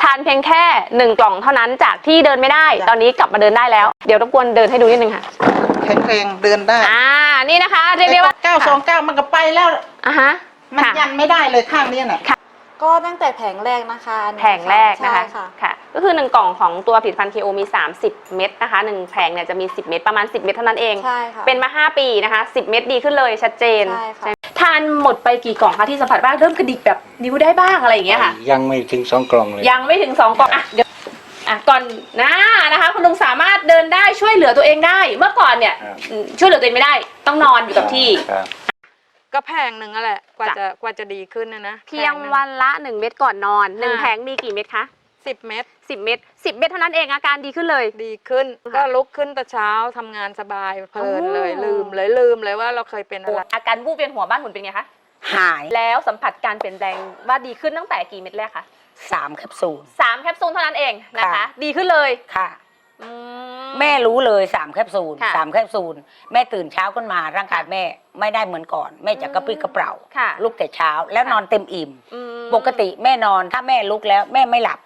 านเพียงแค่1 กล่องเท่านั้นจากที่เดินไม่ได้ตอนนี้กลับมาเดินได้แล้วเดี๋ยวรบกวนเดินให้ดูนิดนึงค่ะแข็งแรงเดินได้นี่นะคะเรียกได้ว่า 929มันก็ไปแล้วมันยันไม่ได้เลยข้างนี้น่ะก็ตั้งแต่แผงแรกนะคะแผงแรกนะคะค่ะก็คือ1 กล่องของตัวผลิตภัณฑ์ KO มี30 เม็ดนะคะ1แผงเนี่ยจะมี10 เม็ดประมาณ10 เม็ดเท่านั้นเองใช่ค่ะเป็นมา5 ปีนะคะ10 เม็ดดีขึ้นเลยชัดเจนใช่ค่ะทานหมดไปกี่กล่องคะที่สัมผัสว่าเริ่มกระดิกแบบนิ้วได้บ้างอะไรอย่างเงี้ยค่ะยังไม่ถึง2 กล่องเลยยังไม่ถึง2 กล่องเดี๋ยวก่อนนะคะคุณลุงสามารถเดินได้ช่วยเหลือตัวเองได้เมื่อก่อนเนี่ยช่วยเหลือตัวเองไม่ได้ต้องนอนอยู่กับที่ก็แผงหนึ่งแหละกว่าจะดีขึ้นนะเพียงวันละ1 เม็ดก่อนนอน1 แผงมีกี่เม็ดคะ 10 เม็ด 10 เม็ด10 เม็ดเท่านั้นเองอาการดีขึ้นเลยดีขึ้นก็ลุกขึ้นแต่เช้าทำงานสบายเพลินเลยลืมเลยว่าเราเคยเป็นอะไรอาการวูบเวียนหัวบ้านหมุนเป็นไงคะหายแล้วสัมผัสการเปลี่ยนแปลงว่าดีขึ้นตั้งแต่กี่เม็ดแรกคะ 3 แคปซูล 3 แคปซูลเท่านั้นเองนะคะดีขึ้นเลยค่ะแม่รู้เลย3 แคปซูล3 แคปซูลแม่ตื่นเช้าขึ้นมาร่างกายแม่ไม่ได้เหมือนก่อนแม่จะกระปรี้กระเปร่าลุกแต่เช้าแล้วนอนเต็มอิ่มปกติแม่นอนถ้าแม่ลุกแล้วแม่ไม่หลับ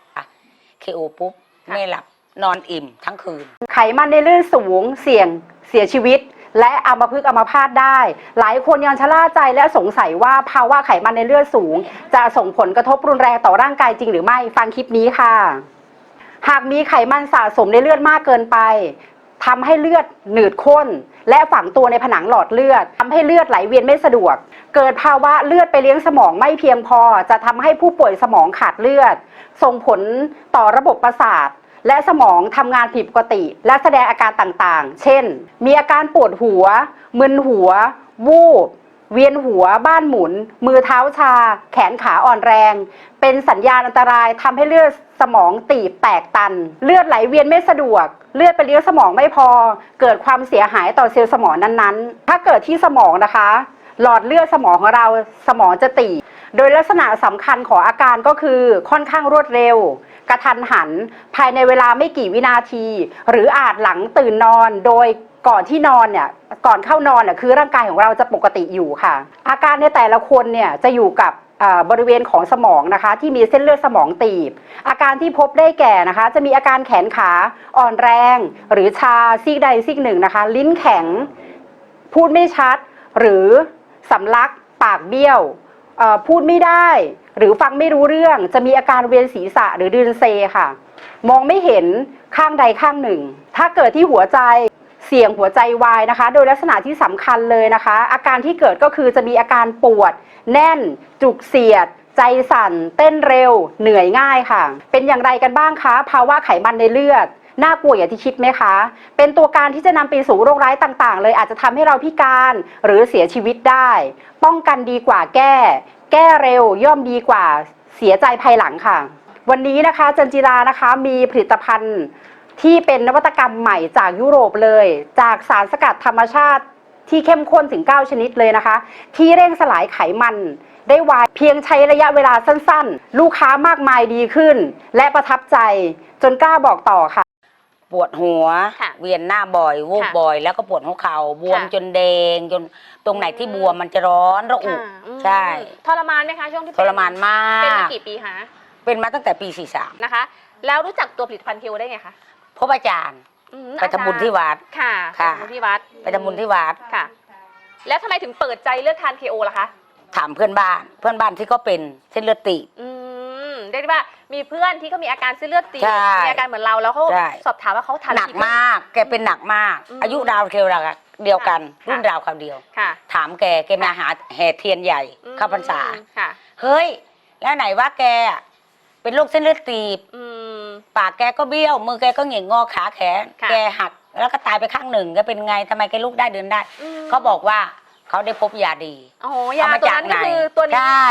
KOปุ๊บแม่หลับนอนอิ่มทั้งคืนไขมันในเลือดสูงเสี่ยงเสียชีวิตและอัมพฤกษ์อัมพาตได้หลายคนยังชะล่าใจและสงสัยว่าภาวะไขมันในเลือดสูงจะส่งผลกระทบรุนแรงต่อร่างกายจริงหรือไม่ฟังคลิปนี้ค่ะหากมีไขมันสะสมในเลือดมากเกินไปทำให้เลือดหนืดข้นและฝังตัวในผนังหลอดเลือดทำให้เลือดไหลเวียนไม่สะดวกเกิดภาวะเลือดไปเลี้ยงสมองไม่เพียงพอจะทำให้ผู้ป่วยสมองขาดเลือดส่งผลต่อระบบประสาทและสมองทำงานผิดปกติและแสดงอาการต่างๆเช่นมีอาการปวดหัวมึนหัววูบเวียนหัวบ้านหมุนมือเท้าชาแขนขาอ่อนแรงเป็นสัญญาณอันตรายทำให้เลือดสมองตีบแตกตันเลือดไหลเวียนไม่สะดวกเลือดไปเลี้ยงสมองไม่พอเกิดความเสียหายต่อเซลล์สมองนั้นๆถ้าเกิดที่สมองนะคะหลอดเลือดสมองของเราสมองจะตีบโดยลักษณะสำคัญของอาการก็คือค่อนข้างรวดเร็วกระทันหันภายในเวลาไม่กี่วินาทีหรืออาจหลังตื่นนอนโดยก่อนที่นอนเนี่ยก่อนเข้านอนเนี่ยคือร่างกายของเราจะปกติอยู่ค่ะอาการในแต่ละคนเนี่ยจะอยู่กับบริเวณของสมองนะคะที่มีเส้นเลือดสมองตีบอาการที่พบได้แก่นะคะจะมีอาการแขนขาอ่อนแรงหรือชาซีกใดซีกหนึ่งนะคะลิ้นแข็งพูดไม่ชัดหรือสำลักปากเบี้ยวพูดไม่ได้หรือฟังไม่รู้เรื่องจะมีอาการเวียนศีรษะหรือดืนเซค่ะมองไม่เห็นข้างใดข้างหนึ่งถ้าเกิดที่หัวใจเสี่ยงหัวใจวายนะคะโดยลักษณะที่สำคัญเลยนะคะอาการที่เกิดก็คือจะมีอาการปวดแน่นจุกเสียดใจสั่นเต้นเร็วเหนื่อยง่ายค่ะเป็นอย่างไรกันบ้างคะภาวะไขมันในเลือดน่ากลัวอย่างที่คิดไหมคะเป็นตัวการที่จะนำไปสู่โรคร้ายต่างๆเลยอาจจะทำให้เราพิการหรือเสียชีวิตได้ป้องกันดีกว่าแก้เร็วย่อมดีกว่าเสียใจภายหลังค่ะวันนี้นะคะจันจิรานะคะมีผลิตภัณฑ์ที่เป็นนวัตกรรมใหม่จากยุโรปเลยจากสารสกัดธรรมชาติที่เข้มข้นถึง9 ชนิดเลยนะคะที่เร่งสลายไขมันได้ไวเพียงใช้ระยะเวลาสั้นๆลูกค้ามากมายดีขึ้นและประทับใจจนกล้าบอกต่อค่ะปวดหัวเวียนหน้าบ่อยวูบบ่อยแล้วก็ปวดหัวเข่าบวมจนแดงจนตรงไหนที่บวมมันจะร้อนระอุใช่ทรมานไหมคะช่วงที่ทรมานมากเป็นมากี่ปีคะเป็นมาตั้งแต่ปี43 นะคะแล้วรู้จักตัวผลิตภัณฑ์KOได้ไงคะพบอาจารย์ไปทำบุญที่วัดค่ะไปทำบุญที่วัดไปทำบุญที่วัดค่ะแล้วทำไมถึงเปิดใจเลือกทานKOล่ะคะถามเพื่อนบ้านที่เขาเป็นเส้นเลือดตีบเรียกได้ว่ามีเพื่อนที่เขามีอาการเส้นเลือดตีบมีอาการเหมือนเราแล้วเขาสอบถามว่าเขาทานหนักมากแกเป็นหนักมากอายุราวเดียวกันรุ่นราวคราวเดียวถามแกมาหาแห่เทียนใหญ่เข้าพรรษาเฮ้ยแล้วไหนว่าแกเป็นโรคเส้นเลือดตีบปากแกก็เบี้ยวมือแกก็เหงี่ยงงอขาแขนแกหักแล้วก็ตายไปข้างหนึ่งแกเป็นไงทำไมแกลุกได้เดินได้เขาบอกว่าเขาได้พบยาดีเอามาจากไหนตัวนี้ใช่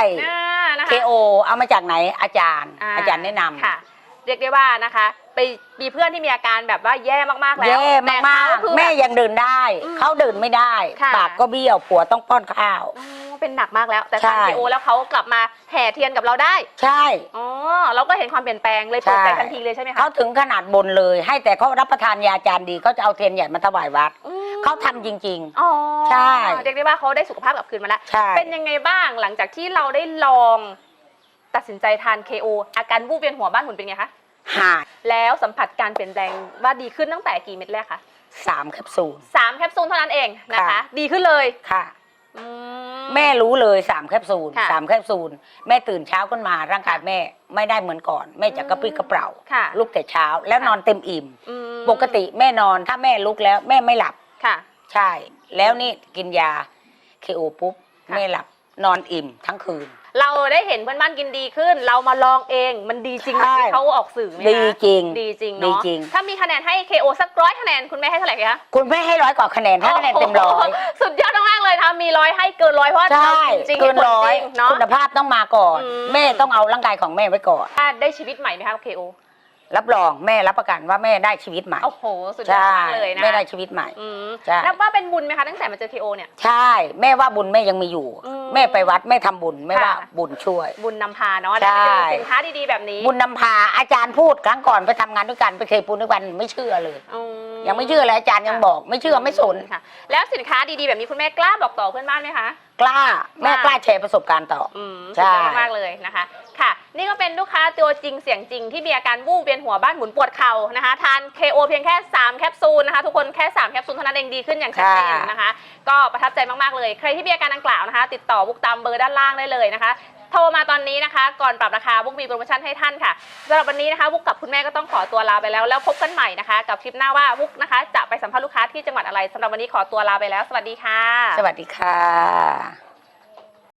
KOเอามาจากไหนอาจารย์แนะนำค่ะเรียกได้ว่านะคะไปมีเพื่อนที่มีอาการแบบว่าแย่มากๆแล้วแย่มากๆแม่ยังเดินได้เขาเดินไม่ได้ปากก็เบี้ยวผัวต้องป้อนข้าวเป็นหนักมากแล้วแต่ทานKOแล้วเขากลับมาแห่เทียนกับเราได้ใช่เราก็เห็นความเปลี่ยนแปลงเลยเปิดใจทันทีเลยใช่ไหมคะเขาถึงขนาดบนเลยให้แต่เขารับประทานยาจารย์ดีเขาจะเอาเทียนใหญ่มาถวายวัดเขาทำจริงๆใช่เรียกได้ว่าเขาได้สุขภาพกลับคืนมาแล้วเป็นยังไงบ้างหลังจากที่เราได้ลองตัดสินใจทาน KO อาการวูบเวียนหัวบ้านหมุนเป็นไงคะหายแล้วสัมผัสการเปลี่ยนแปลงว่าดีขึ้นตั้งแต่กี่เม็ดแรกคะ 3 แคปซูล 3 แคปซูลเท่านั้นเองนะคะค่ะดีขึ้นเลยค่ะอืแม่รู้เลย3 แคปซูลค่ะ 3 แคปซูลแม่ตื่นเช้าขึ้นมาร่างกายแม่ไม่ได้เหมือนก่อน แม่จะกระปรี้กระเปร่าค่ะลุกแต่เช้าแล้วนอนเต็มอิ่มอืมปกติแม่นอนถ้าแม่ลุกแล้วแม่ไม่หลับค่ะใช่ แล้วนี่กินยา KO ปุ๊บค่ะแม่หลับนอนอิ่มทั้งคืนเราได้เห็นเพื่อนบ้านกินดีขึ้น เรามาลองเองมันดีจริงไหมใช่ที่เขาออกสื่อไหมคะดีจริงดีจริงดีเนาะจริงถ้ามีคะแนนให้ KO สัก100 คะแนนคุณแม่ให้เท่าไหร่คะคุณแม่ให้100 กว่าคะแนนถ้าคะแนนเต็มร้อยโโหสุดยอดมากๆเลยนะคะมี100ให้เกิน100เพราะว่าใช่เราจริงๆเกินห็ผลร้อยจงเนาะคุณภาพต้องมาก่อนอืมแม่ต้องเอาร่างกายของแม่ไว้ก่อนได้ชีวิตใหม่ไหมคะ KO รับรองแม่รับประกันว่าแม่ได้ชีวิตใหม่โอ้โหสุดยอดใช่มากเลยนะแม่ได้ชีวิตใหม่อืมใช่นับว่าเป็นบุญไหมคะตั้งแต่มาเจอ KO เนี่ยใช่ แม่ว่าบุญแม่ยังมีอยู่อืมแม่ไปวัดแม่ทำบุญแม่ว่าค่ะบุญช่วยบุญนำพาเนาะใช่ได้ไปเจอสินค้าดีๆแบบนี้บุญนำพาอาจารย์พูดครั้งก่อนไปทำงานด้วยกันไปเคยปูนด้วยกันไม่เชื่อเลยอืยังไม่เชื่อเลยอาจารย์ยังบอกไม่เชื่อไม่สนค่ะ แล้วสินค้าดีๆแบบนี้คุณแม่กล้าบอกต่อเพื่อนบ้านไหมคะกล้าแม่กล้าแชร์ประสบการณ์ต่อสุดยอดมากๆเลยนะคะ ค่ะ นี่ก็เป็นลูกค้าตัวจริงเสียงจริงที่มีอาการวูบเวียนหัวบ้านหมุนปวดเข่านะคะ ทาน KO เพียงแค่ 3 แคปซูลนะคะ ทุกคนแค่ 3 แคปซูลเท่านั้นเองดีขึ้นอย่างชัดเจนนะคะ ก็ประทับใจมากๆเลย ใครที่มีอาการดังกล่าวนะคะ ติดต่อบุกตามเบอร์ด้านล่างได้เลยนะคะ โทรมาตอนนี้นะคะ ก่อนปรับราคาบุกมีโปรโมชั่นให้ท่านค่ะสำหรับวันนี้นะคะบุกกับคุณแม่ก็ต้องขอตัวลาไปแล้วแล้วพบกันใหม่นะคะ กับคลิปหน้าว่าบุกนะคะจะไปสัมภาษณ์ลูกค้าที่จังหวัดอะไรสำหรับวันนี้ขอตัวลาไปแล้วสวัสดีค่ะสวัสดีค่ะ